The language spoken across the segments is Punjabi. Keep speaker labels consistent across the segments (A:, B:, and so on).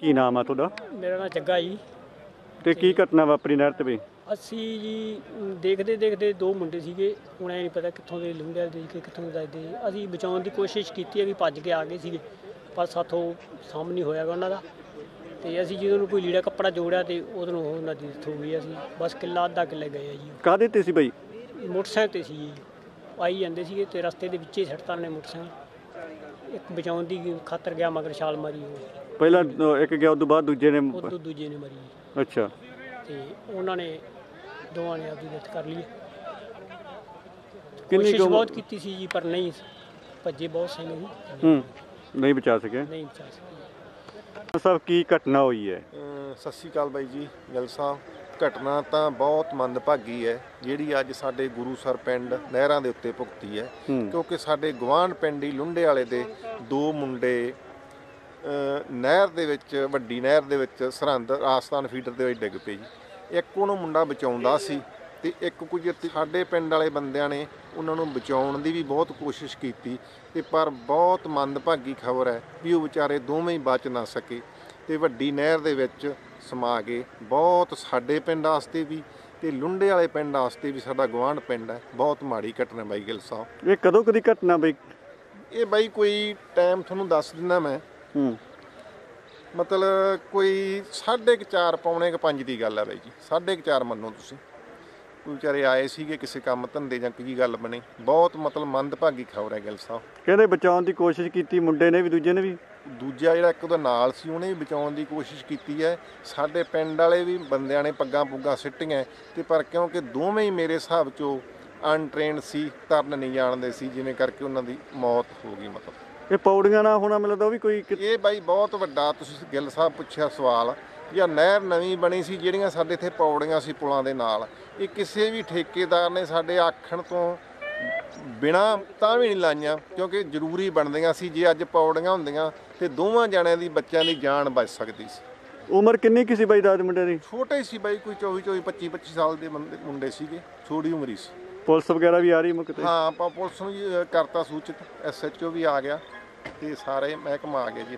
A: ਕੀ ਨਾਮ ਆ ਤੁਹਾਡਾ?
B: ਮੇਰਾ ਨਾਮ ਜੱਗਾ ਜੀ।
A: ਤੇ ਕੀ ਘਟਨਾ ਵਾਪਰੀ ਨਹਿਰ ਤੇ ਬਈ?
B: ਅਸੀਂ ਜੀ ਦੇਖਦੇ ਦੇਖਦੇ ਦੋ ਮੁੰਡੇ ਸੀਗੇ, ਹੁਣ ਐ ਨਹੀਂ ਪਤਾ ਕਿੱਥੋਂ ਦੇ ਲੰਘਿਆ ਦੇ ਕੇ ਕਿੱਥੋਂ ਦੱਸਦੇ। ਅਸੀਂ ਬਚਾਉਣ ਦੀ ਕੋਸ਼ਿਸ਼ ਕੀਤੀ ਹੈ ਵੀ ਭੱਜ ਕੇ ਆ ਗਏ ਸੀਗੇ, ਪਰ ਸਾਥੋਂ ਸਾਹਮਣੇ ਨਹੀਂ ਹੋਇਆਗਾ ਉਹਨਾਂ ਦਾ। ਤੇ ਅਸੀਂ ਜਦੋਂ ਨੂੰ ਕੋਈ ਲੀੜਾ ਕੱਪੜਾ ਜੋੜਿਆ ਤੇ ਉਦੋਂ ਉਹ ਨਦੀ ਡੈਥ ਹੋ ਗਈ। ਅਸੀਂ ਬਸ ਕਿੱਲਾ ਅੱਧਾ ਕਿੱਲੇ ਗਏ ਆ ਜੀ।
A: ਕਾਹਦੇ ਤੇ ਸੀ ਬਈ?
B: ਮੋਟਰਸਾਈਕਲ ਤੇ ਸੀ ਜੀ, ਆਈ ਜਾਂਦੇ ਸੀਗੇ ਤੇ ਰਸਤੇ ਦੇ ਵਿੱਚ ਹੀ ਸੱਟਤਾਂ ਨੇ ਮੋਟਰਸਾਈਕਲ। ਇੱਕ ਬਚਾਉਣ ਦੀ ਖਾਤਰ ਗਿਆ ਮਗਰ ਛਾਲ ਮਾਰੀ, ਉਹ
A: ਪਹਿਲਾਂ ਇੱਕ ਗਿਆ, ਉਦੋਂ ਬਾਅਦ ਦੂਜੇ ਨੇ
B: ਦੂਜੇ ਨੇ ਮਾਰੀ।
A: ਅੱਛਾ।
B: ਤੇ ਉਹਨਾਂ ਨੇ ਦੋਵਾਂ ਨੇ ਆਪਦੀ ਡੈਥ ਕਰ ਲਈ।
A: ਕਿੰਨੀ
B: ਕੋਸ਼ਿਸ਼ ਬਹੁਤ ਕੀਤੀ ਸੀ ਜੀ, ਪਰ ਨਹੀਂ ਭੱਜੇ ਬਹੁਤ ਸਿੰਘ ਸੀ,
A: ਨਹੀਂ ਬਚਾ ਸਕੇ।
B: ਨਹੀਂ ਬਚਾ ਸਕੇ।
A: ਸਭ ਕੀ ਘਟਨਾ ਹੋਈ ਹੈ?
C: ਸਤਿ ਸ਼੍ਰੀ ਅਕਾਲ ਬਾਈ ਜੀ, ਗਿੱਲ ਸਾਹਿਬ। ਘਟਨਾ ਤਾਂ ਬਹੁਤ ਮੰਦਭਾਗੀ ਹੈ ਜਿਹੜੀ ਅੱਜ ਸਾਡੇ ਗੁਰੂਸਰ ਪਿੰਡ ਨਹਿਰਾਂ ਦੇ ਉੱਤੇ ਭੁਗਤੀ ਹੈ, ਕਿਉਂਕਿ ਸਾਡੇ ਗੁਆਂਢ ਪਿੰਡ ਹੀ ਲੁੰਡੇ ਵਾਲੇ ਦੇ ਦੋ ਮੁੰਡੇ ਨਹਿਰ ਦੇ ਵਿੱਚ, ਵੱਡੀ ਨਹਿਰ ਦੇ ਵਿੱਚ ਸਰਹੰਦ ਆਸਤਾਨ ਫੀਡਰ ਦੇ ਵਿੱਚ ਡਿੱਗ ਪਏ ਜੀ। ਇੱਕ ਉਹਨੂੰ ਮੁੰਡਾ ਬਚਾਉਂਦਾ ਸੀ ਤੇ ਇੱਕ ਕੁਝ ਸਾਡੇ ਪਿੰਡ ਵਾਲੇ ਬੰਦਿਆਂ ਨੇ ਉਹਨਾਂ ਨੂੰ ਬਚਾਉਣ ਦੀ ਵੀ ਬਹੁਤ ਕੋਸ਼ਿਸ਼ ਕੀਤੀ, ਤੇ ਪਰ ਬਹੁਤ ਮੰਦਭਾਗੀ ਖਬਰ ਹੈ ਵੀ ਉਹ ਵਿਚਾਰੇ ਦੋਵੇਂ ਹੀ ਬਚ ਨਾ ਸਕੇ ਤੇ ਵੱਡੀ ਨਹਿਰ ਦੇ ਵਿੱਚ ਸਮਾ ਗਏ। ਬਹੁਤ ਸਾਡੇ ਪਿੰਡ ਵਾਸਤੇ ਵੀ ਤੇ ਲੁੰਡੇ ਵਾਲੇ ਪਿੰਡ ਵਾਸਤੇ ਵੀ, ਸਾਡਾ ਗੁਆਂਢ ਪਿੰਡ ਹੈ, ਬਹੁਤ ਮਾੜੀ ਘਟਨਾ ਬਾਈ ਗਿੱਲ ਸਾਹਿਬ।
A: ਇਹ ਕਦੋਂ ਕਦੀ ਘਟਨਾ ਬਈ? ਇਹ
C: ਬਾਈ ਕੋਈ ਟਾਈਮ ਤੁਹਾਨੂੰ ਦੱਸ ਦਿੰਦਾ ਮੈਂ, ਮਤਲਬ ਕੋਈ 4:30 ਪੌਣੇ 5 ਦੀ ਗੱਲ ਹੈ ਬਾਈ ਜੀ। 4:30 ਮੰਨੋ ਤੁਸੀਂ। ਕੋਈ ਵਿਚਾਰੇ ਆਏ ਸੀਗੇ ਕਿਸੇ ਕੰਮ ਧੰਦੇ ਜਾਂ ਕੀ ਗੱਲ ਬਣੀ। ਬਹੁਤ ਮਤਲਬ ਮੰਦਭਾਗੀ ਖਬਰ ਹੈ ਗਿੱਲ ਸਾਹਿਬ।
A: ਕਹਿੰਦੇ ਬਚਾਉਣ ਦੀ ਕੋਸ਼ਿਸ਼ ਕੀਤੀ ਮੁੰਡੇ ਨੇ ਵੀ, ਦੂਜੇ ਨੇ ਵੀ।
C: ਦੂਜਾ ਜਿਹੜਾ ਇੱਕ ਉਹਦਾ ਨਾਲ ਸੀ ਉਹਨੇ ਵੀ ਬਚਾਉਣ ਦੀ ਕੋਸ਼ਿਸ਼ ਕੀਤੀ ਹੈ। ਸਾਡੇ ਪਿੰਡ ਵਾਲੇ ਵੀ ਬੰਦਿਆਂ ਨੇ ਪੱਗਾਂ ਪੁੱਗਾਂ ਸਿੱਟੀਆਂ, ਤੇ ਪਰ ਕਿਉਂਕਿ ਦੋਵੇਂ ਹੀ ਮੇਰੇ ਹਿਸਾਬ 'ਚੋਂ ਅਨਟ੍ਰੇਨਡ ਸੀ, ਤਰਨ ਨਹੀਂ ਜਾਣਦੇ ਸੀ, ਜਿਵੇਂ ਕਰਕੇ ਉਹਨਾਂ ਦੀ ਮੌਤ ਹੋ ਗਈ। ਮਤਲਬ
A: ਇਹ ਪੌੜੀਆਂ ਨਾਲ ਹੋਣਾ ਮਿਲਦਾ ਉਹ ਵੀ ਕੋਈ?
C: ਇਹ ਬਾਈ ਬਹੁਤ ਵੱਡਾ ਤੁਸੀਂ ਗਿੱਲ ਸਾਹਿਬ ਪੁੱਛਿਆ ਸਵਾਲ। ਜਾਂ ਨਹਿਰ ਨਵੀਂ ਬਣੀ ਸੀ, ਜਿਹੜੀਆਂ ਸਾਡੇ ਇੱਥੇ ਪੌੜੀਆਂ ਸੀ ਪੁਲਾਂ ਦੇ ਨਾਲ, ਇਹ ਕਿਸੇ ਵੀ ਠੇਕੇਦਾਰ ਨੇ ਸਾਡੇ ਆਖਣ ਤੋਂ ਬਿਨਾਂ ਤਾਂ ਵੀ ਨਹੀਂ ਲਾਈਆਂ, ਕਿਉਂਕਿ ਜ਼ਰੂਰੀ ਬਣਦੀਆਂ ਸੀ। ਜੇ ਅੱਜ ਪੌੜੀਆਂ ਹੁੰਦੀਆਂ ਤੇ ਦੋਵਾਂ ਜਣਿਆਂ ਦੀ, ਬੱਚਿਆਂ ਦੀ ਜਾਨ ਬਚ ਸਕਦੀ ਸੀ।
A: ਉਮਰ ਕਿੰਨੀ ਕੀ ਸੀ ਬਾਈ ਦਾਦ ਮੁੰਡੇ ਦੀ?
C: ਛੋਟੇ ਸੀ ਬਾਈ, ਕੋਈ 24 25 ਸਾਲ ਦੇ ਮੁੰਡੇ ਸੀਗੇ, ਛੋਟੀ ਉਮਰ ਹੀ ਸੀ।
A: ਪੁਲਿਸ ਵਗੈਰਾ ਵੀ ਆ ਰਹੀ ਮੁੱਕ ਤੇ?
C: ਹਾਂ, ਆਪਾਂ ਪੁਲਿਸ ਨੂੰ ਜੀ ਕਰਤਾ ਸੂਚਿਤ, SHO ਵੀ ਆ ਗਿਆ ਤੇ ਸਾਰੇ ਮਹਿਕਮਾ ਆ ਗਿਆ ਜੀ।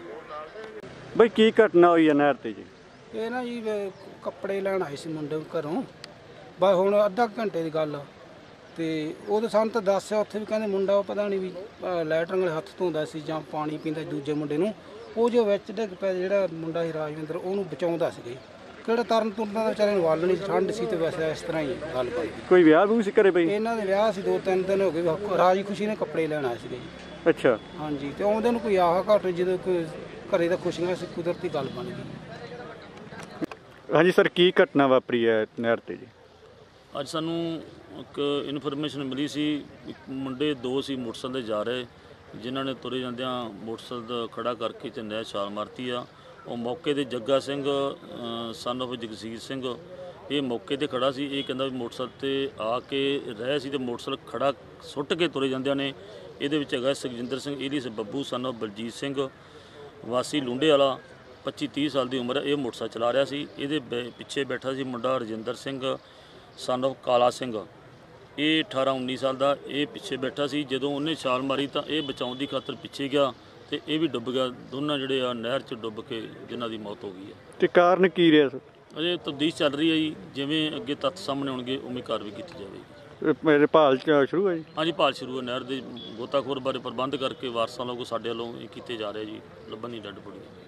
A: ਬਈ ਕੀ ਘਟਨਾ ਹੋਈ ਹੈ ਨਹਿਰ ਤੇ ਜੀ?
D: ਇਹ ਨਾ ਜੀ ਕੱਪੜੇ ਲੈਣ ਆਏ ਸੀ ਮੁੰਡੇ ਘਰੋਂ, ਬਸ ਹੁਣ ਅੱਧਾ ਘੰਟੇ ਦੀ ਗੱਲ ਆ। ਤੇ ਉਹ ਸਾਨੂੰ ਤਾਂ ਦੱਸਿਆ ਉੱਥੇ ਵੀ, ਕਹਿੰਦੇ ਮੁੰਡਾ ਉਹ ਪਤਾ ਨਹੀਂ ਵੀ ਲੈਟਰਿੰਗ ਵਾਲੇ ਹੱਥ ਧੋਂਦਾ ਸੀ ਜਾਂ ਪਾਣੀ ਪੀਂਦਾ ਦੂਜੇ ਮੁੰਡੇ ਨੂੰ, ਉਹ ਜੋ ਵਿੱਚ ਡਿੱਗ ਪਿਆ ਜਿਹੜਾ ਮੁੰਡਾ ਸੀ ਰਾਜਵਿੰਦਰ, ਉਹਨੂੰ ਬਚਾਉਂਦਾ ਸੀਗਾ। ਕਿਹੜਾ ਤਰਨ ਤੁਰਨ ਦਾ ਵਿਚਾਰੇ ਨੂੰ ਵੱਲ ਨਹੀਂ, ਠੰਡ ਸੀ ਤੇ ਵੈਸੇ ਇਸ ਤਰ੍ਹਾਂ ਹੀ ਗੱਲ ਬਣ ਗਈ।
A: ਕੋਈ ਵਿਆਹ ਵੀ ਸੀ ਘਰੇ ਬਈ?
D: ਇਹਨਾਂ ਦੇ ਵਿਆਹ ਸੀ, 2-3 ਦਿਨ ਹੋ ਗਏ। ਰਾਜੀ ਖੁਸ਼ੀ ਨੇ ਕੱਪੜੇ ਲੈਣ ਆਏ ਸੀਗੇ ਜੀ।
A: ਅੱਛਾ। ਹਾਂਜੀ।
D: ਤੇ ਆਉਂਦੇ ਨੂੰ ਕੋਈ ਆਹ ਘਟ, ਜਦੋਂ ਕੋਈ ਘਰੇ ਦਾ ਖੁਸ਼ੀਆਂ ਸੀ, ਕੁਦਰਤੀ ਗੱਲ ਬਣ ਗਈ।
A: ਹਾਂਜੀ ਸਰ, ਕੀ ਘਟਨਾ ਵਾਪਰੀ ਹੈ ਨਹਿਰ ਤੇ ਜੀ?
E: ਅੱਜ ਸਾਨੂੰ ਇੱਕ ਇਨਫੋਰਮੇਸ਼ਨ ਮਿਲੀ ਸੀ, ਇੱਕ ਮੁੰਡੇ ਦੋ ਸੀ ਮੋਟਰਸਾਈਕਲ 'ਤੇ ਜਾ ਰਹੇ, ਜਿਨ੍ਹਾਂ ਨੇ ਤੁਰੇ ਜਾਂਦਿਆਂ ਮੋਟਰਸਾਈਕਲ ਖੜਾ ਕਰਕੇ ਤੇ ਨਹਿਰ ਛਾਲ ਮਾਰਤੀ ਆ। ਉਹ ਮੌਕੇ 'ਤੇ ਜੱਗਾ ਸਿੰਘ ਸਨ ਆਫ ਜਗਸੀਰ ਸਿੰਘ, ਇਹ ਮੌਕੇ 'ਤੇ ਖੜਾ ਸੀ। ਇਹ ਕਹਿੰਦਾ ਵੀ ਮੋਟਰਸਾਈਕਲ 'ਤੇ ਆ ਕੇ ਰਹੇ ਸੀ ਤੇ ਮੋਟਰਸਾਈਕਲ ਖੜਾ ਸੁੱਟ ਕੇ ਤੁਰੇ ਜਾਂਦਿਆਂ ਨੇ। ਇਹਦੇ ਵਿੱਚ ਹੈਗਾ Sukhjinder Singh alias Babbu son of Baljit Singh, ਵਾਸੀ ਲੁੰਡੇ ਵਾਲਾ, 25-30 ਸਾਲ ਦੀ ਉਮਰ ਹੈ। ਇਹ ਮੋਟਰਸਾਈਕਲ ਚਲਾ ਰਿਹਾ ਸੀ। ਇਹਦੇ ਪਿੱਛੇ ਬੈਠਾ ਸੀ ਮੁੰਡਾ ਰਜਿੰਦਰ ਸਿੰਘ ਸਨ ਆਫ ਕਾਲਾ ਸਿੰਘ, ਇਹ 18-19 ਸਾਲ ਦਾ, ਇਹ ਪਿੱਛੇ ਬੈਠਾ ਸੀ। ਜਦੋਂ ਉਹਨੇ ਛਾਲ ਮਾਰੀ ਤਾਂ ਇਹ ਬਚਾਉਣ ਦੀ ਖਾਤਰ ਪਿੱਛੇ ਗਿਆ ਤੇ ਇਹ ਵੀ ਡੁੱਬ ਗਿਆ। ਦੋਨਾਂ ਜਿਹੜੇ ਆ ਨਹਿਰ 'ਚ ਡੁੱਬ ਕੇ ਜਿਨ੍ਹਾਂ ਦੀ ਮੌਤ ਹੋ ਗਈ ਹੈ।
A: ਤੇ ਕਾਰਨ ਕੀ ਰਿਹਾ ਸਰ?
E: ਅਜੇ ਤਫਤੀਸ਼ ਚੱਲ ਰਹੀ ਹੈ ਜੀ, ਜਿਵੇਂ ਅੱਗੇ ਤੱਥ ਸਾਹਮਣੇ ਆਉਣਗੇ ਉਵੇਂ ਕਾਰਵਾਈ ਕੀਤੀ ਜਾਵੇਗੀ।
A: ਮੇਰੇ ਭਾਲ ਸ਼ੁਰੂ ਹੈ ਜੀ? ਹਾਂਜੀ,
E: ਭਾਲ ਸ਼ੁਰੂ ਹੈ। ਨਹਿਰ ਦੇ ਗੋਤਾਖੋਰ ਬਾਰੇ ਪ੍ਰਬੰਧ ਕਰਕੇ ਵਾਰਸਾਂ ਵੱਲੋਂ ਸਾਡੇ ਵੱਲੋਂ ਕੀਤੇ ਜਾ ਰਹੇ ਜੀ, ਲੱਭਣ ਦੀ ਡੱਡ ਬੜੀ।